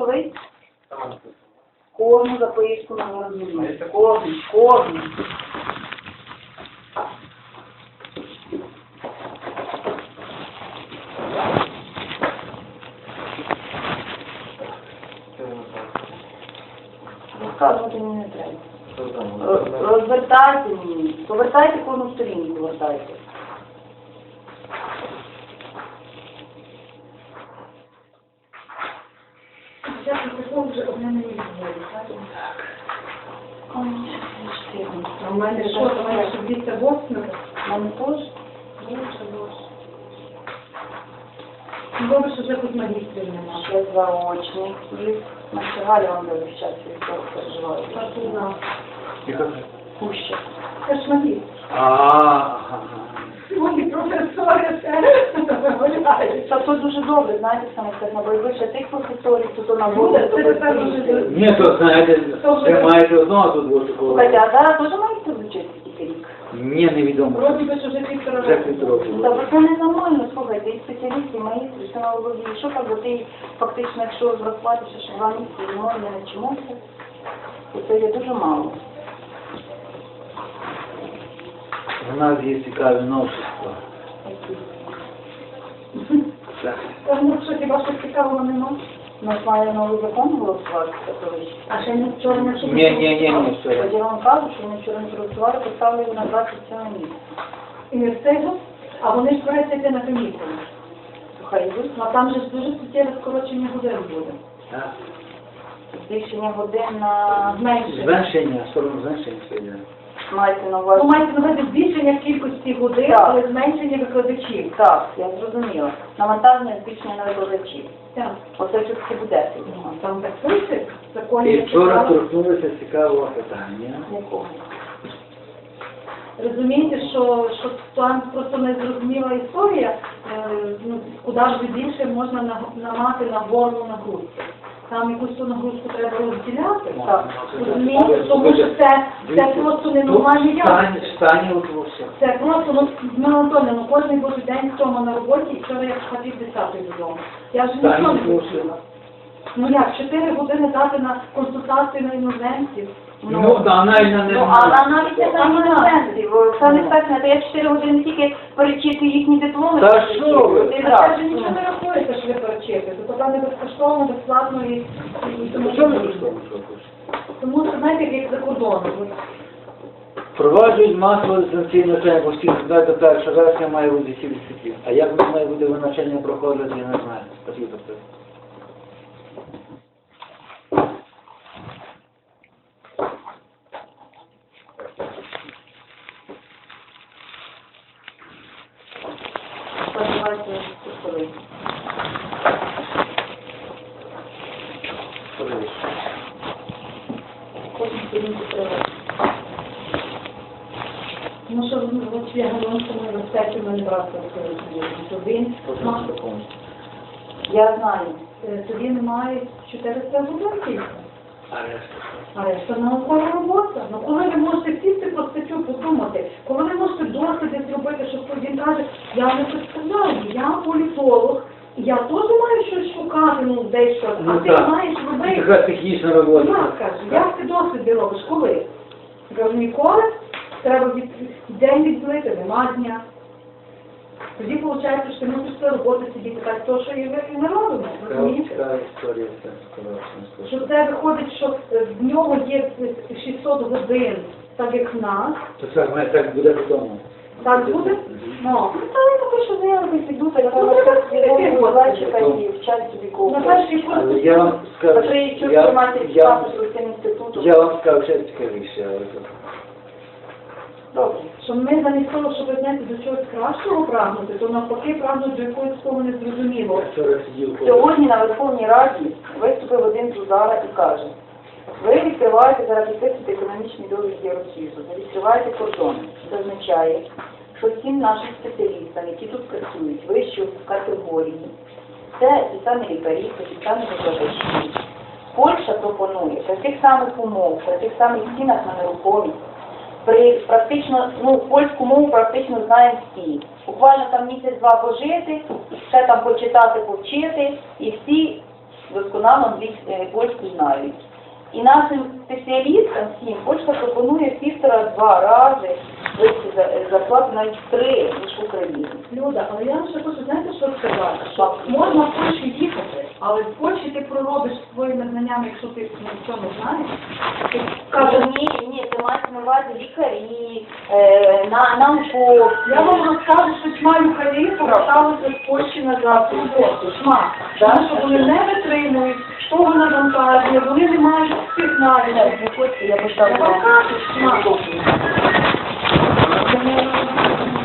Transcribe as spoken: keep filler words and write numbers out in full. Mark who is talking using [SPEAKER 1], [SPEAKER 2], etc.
[SPEAKER 1] курсовий? Кожну записку на розумію. Кожну, кожну. Розказувати мені не треба. Роз- Розвертайте мені. Повертайте кожну сторінку, повертайте.
[SPEAKER 2] Я такого вже одне не відбуваю, так? А в мене що, в мене ще двісті восьмеро?
[SPEAKER 1] У мене теж?
[SPEAKER 2] Боже, боже. Добре, що вже хоч магістрів нема.
[SPEAKER 1] Ще заочний. Наша Галя вам весь час вівторок переживає.
[SPEAKER 2] Так, і знав.
[SPEAKER 1] Пуща.
[SPEAKER 2] Це ж магістр.
[SPEAKER 3] Ага.
[SPEAKER 2] Мої професори це виглядають.
[SPEAKER 1] Та то дуже добре, знаєте, саме так, на більше тих професорів, то то на
[SPEAKER 2] Буде, це тепер дуже добре.
[SPEAKER 3] Ні, то знаєте, ви маєте одного тут бути такого.
[SPEAKER 1] Слухайте, а зараз теж маєте вчити тільки рік?
[SPEAKER 3] Ні, невідомо.
[SPEAKER 2] Вроді би, що вже півтора
[SPEAKER 3] Вже
[SPEAKER 2] року.
[SPEAKER 3] півтора року.
[SPEAKER 1] Та бо це ненормально, слухайте, і спеціалісти, і маїстри, все на голові. Що так, бо ти фактично, якщо розрахуватися, що два місяці зимою не навчимося, то це є дуже мало.
[SPEAKER 3] У нас є цікаві новшества. Так.
[SPEAKER 2] Та ну що, хіба що цікавого нема?
[SPEAKER 1] У нас має новий закон голосувати, католичний.
[SPEAKER 2] А ще не вчора не
[SPEAKER 3] Ні, ні, ні, ні, все.
[SPEAKER 1] От я вам кажу, що ми вчора не проголосували, поставили його на двадцять сьоме місце.
[SPEAKER 2] І не встигли, а вони ж збираються йти на комісію.
[SPEAKER 1] Хай йдуть.
[SPEAKER 2] А там же ж дуже суттєве скорочення годин буде.
[SPEAKER 3] Так.
[SPEAKER 1] Збільшення годин на
[SPEAKER 2] Зменшення.
[SPEAKER 3] Зменшення, сторону зменшення сьогодні.
[SPEAKER 1] маєте на
[SPEAKER 2] Ну,
[SPEAKER 1] увазі.
[SPEAKER 2] мається на увазі збільшення кількості годин,
[SPEAKER 1] Так.
[SPEAKER 2] але зменшення викладачів.
[SPEAKER 1] Так, я зрозуміла. Навантаження збільшення на викладачів.
[SPEAKER 2] Так.
[SPEAKER 1] Оце все таки буде.
[SPEAKER 2] Там так пише, в законі.
[SPEAKER 3] І вчора торкнулися цікавого питання.
[SPEAKER 1] Якого?
[SPEAKER 2] Розумієте, що, що там просто незрозуміла історія, е, ну, куди ж більше можна на- намати на горло нагрузку. Там якусь ту нагрузку треба розділяти.
[SPEAKER 1] Так.
[SPEAKER 2] Розумієте, тому що це, це просто ненормальний явище.
[SPEAKER 3] Стані от все.
[SPEAKER 2] Це просто, ну, Зміна Анатольовна, ну кожен божий день вдома на роботі, і вчора я пішла пів десятої додому. Я вже нічого не
[SPEAKER 3] Стані
[SPEAKER 2] почула. Ну як, чотири години дати на консультацію на іноземців?
[SPEAKER 3] Ну, да, навіть на
[SPEAKER 1] Ну, а на- навіть не на іноземців. Це не так, то я чотири години тільки перечитую їхні дипломи.
[SPEAKER 3] Та що ви?
[SPEAKER 1] Ти
[SPEAKER 2] А це
[SPEAKER 1] раз.
[SPEAKER 2] вже нічого не рахується, що ви перечити. То поки не безкоштовно, безплатно і, і тому,
[SPEAKER 3] Що ви розповідаєте?
[SPEAKER 2] тому що, знаєте, як за кордоном. от.
[SPEAKER 3] Впроваджують масове дистанційне навчання, бо всі знають, до першого вересня має бути всі дисципліни. А як воно має бути навчання проходити, я не знаю. Спасибо.
[SPEAKER 1] Сподіваюся, курсовий. Кожну сторінку треба.
[SPEAKER 2] Тому що ну, от я говорю, що ми в університеті ми не брали що він має,
[SPEAKER 1] Я знаю.
[SPEAKER 2] е, тоді немає чотириста годин тільки.
[SPEAKER 3] А решта?
[SPEAKER 2] А решта наукова робота. Ну коли ви можете сісти про статтю подумати, коли ви можете досліди зробити, що він каже, я не представляю, я політолог, я теж маю щось шукати, ну десь щось, а
[SPEAKER 3] Ну,
[SPEAKER 2] ти
[SPEAKER 3] так.
[SPEAKER 2] маєш робити.
[SPEAKER 3] Така технічна робота.
[SPEAKER 2] Я кажу, як ти досліди робиш, коли? Я кажу, ніколи, треба від... день відділити, нема дня. Тоді виходить, що ти мусиш цю роботу сидіти, так то, що і ви і не робимо, розумієте?
[SPEAKER 3] Така історія, це скоротно.
[SPEAKER 2] Що це виходить, що в нього є шістсот годин, так як в нас.
[SPEAKER 3] То це в мене так буде вдома.
[SPEAKER 2] Так буде? Ну,
[SPEAKER 1] Ну, та я поки що заявки піду, так
[SPEAKER 2] Ну,
[SPEAKER 1] я
[SPEAKER 2] треба
[SPEAKER 1] свідомо зайчика
[SPEAKER 3] Ну,
[SPEAKER 1] і вчать собі
[SPEAKER 2] на
[SPEAKER 1] кого.
[SPEAKER 2] перший
[SPEAKER 3] Але
[SPEAKER 2] курс.
[SPEAKER 3] я вам скажу,
[SPEAKER 1] Закриють чуть
[SPEAKER 3] я,
[SPEAKER 1] матері
[SPEAKER 3] я,
[SPEAKER 1] статусу з цим інститутом.
[SPEAKER 3] я вам скажу ще цікавіше. але то-
[SPEAKER 1] Добре.
[SPEAKER 2] Що ми замість того, щоб знаєте, до чогось кращого прагнути, то навпаки прагнуть до якоїсь того незрозумілого.
[SPEAKER 3] Я вчора сидів коло-
[SPEAKER 1] Сьогодні на Верховній Раді виступив один Зузара і каже, ви відкриваєте зараз підписувати економічні договір з Євросоюзу, ви відкриваєте кордони. Це означає, що всім нашим спеціалістам, які тут працюють, вищої категорії, це ті самі лікарі, це ті самі викладачі. Польща пропонує при тих самих умовах, при тих самих цінах на нерухомість, при практично, ну, польську мову практично знаємо всі. Буквально там місяць-два пожити, ще там почитати, повчити, і всі досконало англійську, польську знають. І нашим спеціалістам всім почта пропонує в півтора-два рази вищі за- зарплати, навіть в три, ніж в Україні.
[SPEAKER 2] Люда, але я вам ще хочу, знаєте, що сказати? Що можна в Польщу їхати, але в Польщі ти проробиш своїми знаннями, якщо ти нічого не знаєш. Ти
[SPEAKER 1] Кажу,
[SPEAKER 2] кажеш,
[SPEAKER 1] ні, ні, це мають на увазі лікарі, е, на, науковці.
[SPEAKER 2] я вам розкажу, що чма лікарі поверталися з Польщі назад в роботу. Чма. Тому що вони не витримують того навантаження, вони не мають сигналів.
[SPEAKER 1] Я
[SPEAKER 2] Я вам кажу, чма.